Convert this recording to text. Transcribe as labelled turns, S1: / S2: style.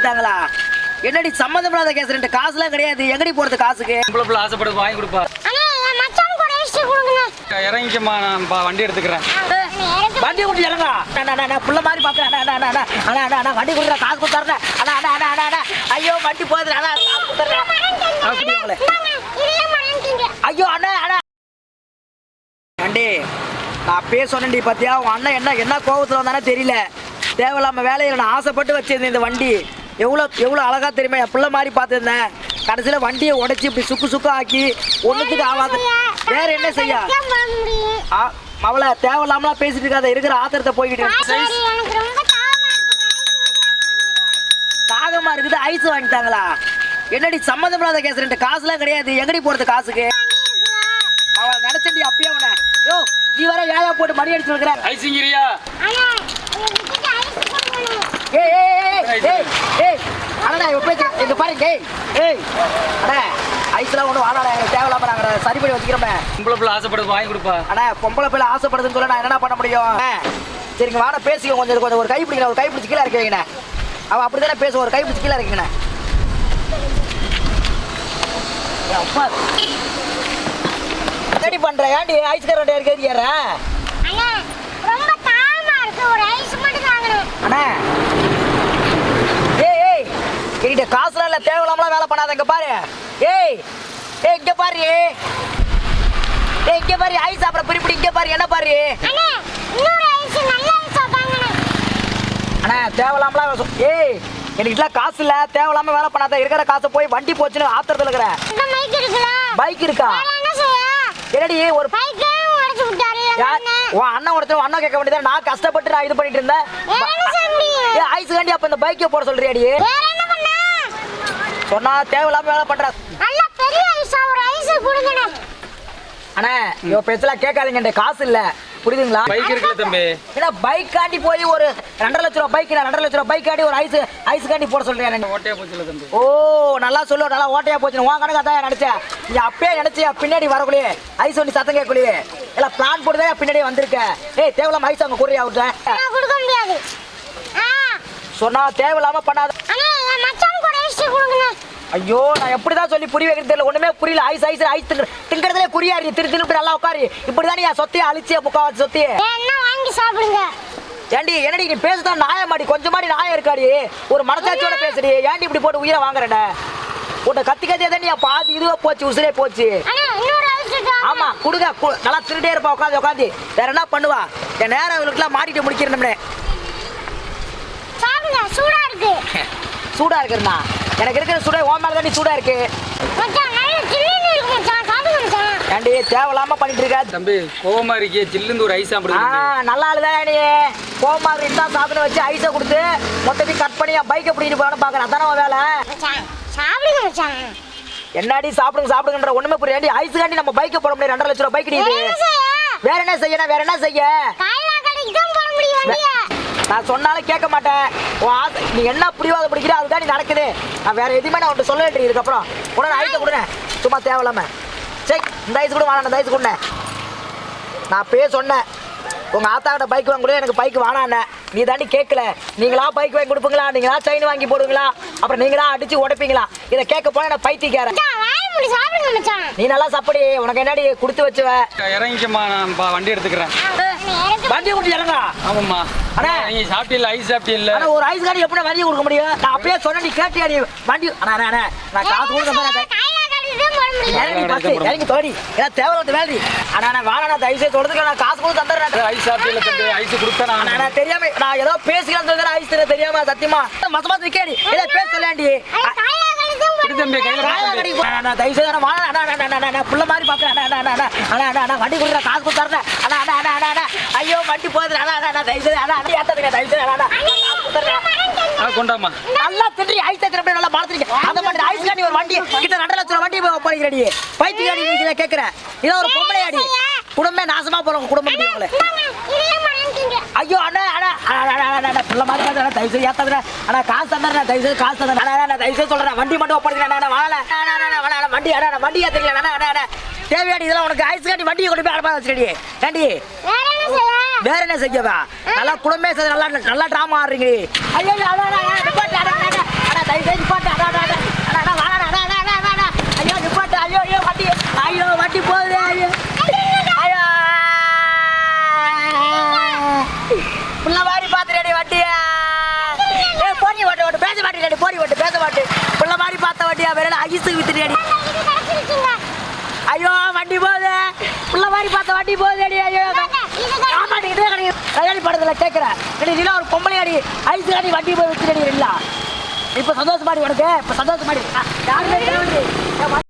S1: வாங்கிட்டாங்களா? என்னடி சம்மந்தம் இல்லாத கேஸ், ரெண்டு காசுலாம் கிடையாது. எங்கடி போறது காசுக்கு?
S2: இவ்வளவு ஆசைப்படுது வாங்கி கொடுப்பா. இறங்கிக்கம்மா, நான் வண்டி எடுத்துக்கிறேன்.
S1: வண்டி கொடுத்து இறங்கா. புள்ள மாதிரி பாக்குறேன். வண்டி கொடுக்குற காசு கொடுத்தாருண்ணே. ஐயோ வண்டி போகுது. ஐயோ அண்ணா அண்ணா வண்டி நான் பேச சொன்னேன்டி பாத்தியா? உன் அண்ணன் என்ன கோபத்துல வந்தானே தெரியல. தேவையில்லாம வேலையில நான் ஆசைப்பட்டு வச்சிருந்தேன். இந்த வண்டி எவ்வளோ அழகா தெரியுமா? என் பிள்ளை மாதிரி பார்த்துருந்தேன். கடைசியில் வண்டியை உடைச்சி இப்படி சுக்கு ஆக்கி ஒன்றுத்துக்கு ஆகாது. வேற என்ன செய்ய? அவளை தேவையில்லாமலாம் பேசிட்டு இருக்காத. இருக்கிற ஆத்திரத்தை போய்கிட்டு தாகமா இருக்குது. ஐஸ் வாங்கிட்டாங்களா? என்னடி சம்மந்தம் இல்லாத கேஸ், ரெண்டு காசுலாம் கிடையாது. எங்கடி போறது காசுக்கு? அவள் நினைச்சண்டி அப்பயே உன. யோ நீ வர ஏழை போட்டு மணி அடிச்சு இருக்கிற.
S2: ஐசிங்கிரியா?
S1: இங்க பாருங்க. ஐஸ்லாம் ஒன்றும் வாழாடா. தேவையில்லாம நாங்க சரி பண்ணி வச்சுக்கிறோமே.
S2: பொம்பளை பிள்ளை ஆசைப்படுது வாங்கி கொடுப்பா.
S1: அண்ணா பொம்பளை பிள்ளை ஆசைப்படுதுன்னு சொல்ல நான் என்ன பண்ண முடியும்? சரிங்க வாட பேசிக்க. கொஞ்சம் ஒரு கை பிடிக்கணும். ஒரு கை பிடிச்சி கீழே இருக்க வைங்கண்ணே. அவன் அப்படித்தானே பேசுவோம். ஒரு கை பிடிச்சி கீழே இருக்கீங்கண்ணே. அப்பா ரெடி பண்ற. ஏன்டி ஐஸ்கார் ரெடி ஏற? அண்ணா என்கிட்ட காசுலாம் இல்ல. தேவையில்லாமலாம் வேலை பண்ணாத. இங்க பாரு. இங்க பாரு. இங்க பாரு. ஐஸ் அப்புறம் பிரிப்படி. இங்க பாரு. என்ன பாரு? அண்ணா தேவையில்லாமலாம் என்கிட்ட காசு இல்ல. தேவையில்லாம வேலை பண்ணாத. இருக்கிற காசை போய் வண்டி போச்சுன்னு ஆத்திரத்துல இருக்கிற. பைக் இருக்கா? என்னடி ஒரு அண்ணன் ஒருத்தர் அண்ணன் கேட்க வேண்டியது. நான் கஷ்டப்பட்டு நான் இது பண்ணிட்டு இருந்தேன். ஐஸ் காண்டி அப்ப இந்த பைக்கை போட சொல்றியாடி? சொன்னா தேவையில்லாம வேலை பண்ற. அண்ணா இவ பேச்செல்லாம் கேட்காதீங்க. காசு இல்ல புரியுதுங்களா?
S2: பைக் இருக்குல்ல தம்பி.
S1: ஏன்னா பைக் காண்டி போய் ஒரு 2.5 லட்சம் ரூபாய் பைக் 2.5 லட்சம் ரூபாய் பைக் காண்டி ஒரு ஐஸ் காண்டி போட சொல்றேன்.
S2: ஓட்டையா போச்சுல தம்பி.
S1: ஓ நல்லா சொல்லு. நல்லா ஓட்டையா போச்சு. உன் கணக்கு அதான் நினைச்சேன். நீ அப்பயே நினைச்சியா பின்னாடி வரக்குள்ளே ஐஸ் வண்டி சத்தம் கேட்கலையே. எல்லாம் பிளான் போட்டுதான் பின்னாடி வந்திருக்க. தேவையில்லாம ஐஸ் அங்க கூறியா விட்ட சொன்னா தேவையில்லாம பண்ணாத. ஐயோ நான் எப்படிதான் சொல்லி புரிய வைக்கிறது தெரியல. ஒண்ணுமே புரியல. ஐஸ் திங்கிறதுல குறியாரு திரு நல்லா உட்காரு. இப்படிதான் என் சொத்தையை அழிச்சிய முக்காவாசி சொத்தையே வாங்கி சாப்பிடுங்க. ஏண்டி என்னடி நீ பேசுதான் நாயமாடி? கொஞ்சமாடி நாயம் இருக்காடி. ஒரு மனசாட்சியோட பேசுடி. ஏண்டி இப்படி போட்டு உயிரை வாங்குறேன்? உன்னை கத்தியே தான் நீ பாதி இதுவே போச்சு. உசுரே போச்சு. ஆமா கொடுங்க. நல்லா திருட்டே இருப்பா. உட்காந்து வேற என்ன பண்ணுவா? என் நேரம் இவளுக்குலாம் மாட்டிட்டு முடிக்கிறேன். சூடா இருக்கு. சூடா இருக்குண்ணா? எனக்கு இருக்கிற சூடா ஓ மேல தான் சூடா இருக்கு. ஏண்டி தேவையில்லாம பண்ணிட்டு இருக்க
S2: தம்பி? கோவமா இருக்கே. சில்லுந்து ஒரு ஐஸ் சாப்பிடுங்க.
S1: நல்லா இல்லதான் நீ. கோவமா இருந்தா சாப்பிட வச்சு ஐஸை கொடுத்து மொத்தத்தையும் கட் பண்ணி பைக்கை பிடிக்கிட்டு போகணும் பாக்குறேன். அதான வேலை. என்னடி சாப்பிடுங்கன்ற ஒண்ணுமே புரியாது. ஐஸ் காண்டி நம்ம பைக்கை போட முடியாது. 2.5 லட்சம் ரூபாய் பைக் கிடையாது. வேற என்ன செய்யணும்? வேற என்ன செய்ய? நான் சொன்னாலும் கேட்க மாட்டேன். நீ என்ன புரியாத பிடிக்கிற அதுதான் நீ நடக்குது. நான் வேற எதுவுமே நான் உன்ட்டு சொல்ல இதுக்கப்புறம் உடனே ஐஸை கொடுங்க. சும்மா தேவையில்லாம சரி இந்த ஐஸ் கூட வாங்க. இந்த ஐஸ் கொடுங்க. நான் அப்பயே சொன்னேன் உங்க ஆத்தாக்கிட்ட பைக் வாங்க கூட எனக்கு பைக் வானாண்ணே. நீ தாண்டி கேட்கல. நீங்களா பைக் வாங்கி கொடுப்பீங்களா? நீங்களா செயின் வாங்கி போடுவீங்களா? அப்புறம் நீங்களா அடிச்சு உடைப்பீங்களா? இதை கேட்க போனா நான் பைத்தியக்காரன். நீ நல்லா சாப்பிடு. உனக்கு என்னடி கொடுத்து வச்சுவ.
S2: இறங்கிக்கம்மா, நான் வண்டி எடுத்துக்கிறேன்.
S1: வண்டி கொடுத்து இறங்கா.
S2: ஆமாம்மா. அண்ணா நீ சாப்பிட்டீல்ல? ஐஸ் சாப்பிட்டீல்ல?
S1: ஒரு ஐஸ் கார்டு எப்படி வண்டி கொடுக்க முடியும்? நான் அப்பயே சொன்ன. நீ கேட்டியா? நீ வண்டி நான் காசு கொடுக்க இறங்கி தோடி ஏன்னா தேவையில்லாத வேலை. ஆனா நான் வாழ தயவுசெய்து தொடர்ந்து நான் காசு கொடுத்து தந்துடுறேன்.
S2: ஐஸ் சாப்பிட்டீல்ல தம்பி? ஐஸ் கொடுத்தேன்.
S1: நான் தெரியாம நான் ஏதோ பேசிக்கலாம் சொல்றேன். ஐஸ் தெரியாம சத்தியமா மசமா கேடி ஏதோ பேச சொல்லாண்டி புள்ள மாதிரி பாக்குறேன். வண்டி கொடுக்குற காசு கொடுத்தாருன்னு. ஐயோ வண்டி போகுது.
S2: கொண்டாமா
S1: நல்லா திட்டி ஐஸ் நல்லா மாத்திருக்கீங்க. அந்த மாதிரி ஐஸ் காண்டி ஒரு வண்டி கிட்ட 2.5 லட்சம் வண்டி போகிறீங்க. பைத்தியக்காடி கேட்கிறேன். இதோ ஒரு பொம்பளையாடி குடும்பமே நாசமா போறவங்க குடும்பம். ஐயோ அண்ணா புள்ள மாதிரி தயவுசெய்து ஏத்தாதுண்ணா. ஆனா காசு தந்துடுறேன். தயவுசெய்து காசு தந்துடுறேன். தயவுசெய்து சொல்றேன். வண்டி மட்டும் ஒப்படைக்கிறேன். வண்டி ஏத்துக்கல. தேவையாடி இதெல்லாம் உனக்கு ஐஸ் காட்டி வண்டியை கொண்டு போய் அடப்பா வச்சுக்கடி. ஏண்டி வேற என்ன செய்யவா? நல்லா குடும்பமே நல்லா டிராமா ஆடுறீங்க. ஐயோ தயவு நிப்பாட்டு அடா அடா அடா அடா வாடா அடா அடா அடா அடா ஐயோ நிப்பாட்டு ஐயோ ஐயோ வண்டி போகுது ஐயோ ஐயோ புள்ள மாதிரி பாத்துறேடி வண்டியா போடி ஓட்டு பேச மாட்டேன் போடி ஓட்டு பேச மாட்டேன் புள்ள மாதிரி பார்த்த வண்டியா வேற ஐஸுக்கு வித்துறியாடி ஐயோ வண்டி போகுது புள்ள மாதிரி பார்த்த வண்டி போகுது ஐயோ கல்யாணி படத்துல கேட்கிறேன் நீல ஒரு பொம்பளை அடி ஐஸ் அடி வண்டி போய் வித்துறடி இல்ல இப்ப சந்தோஷமாடி உனக்கு இப்ப சந்தோஷமாடி யாருமே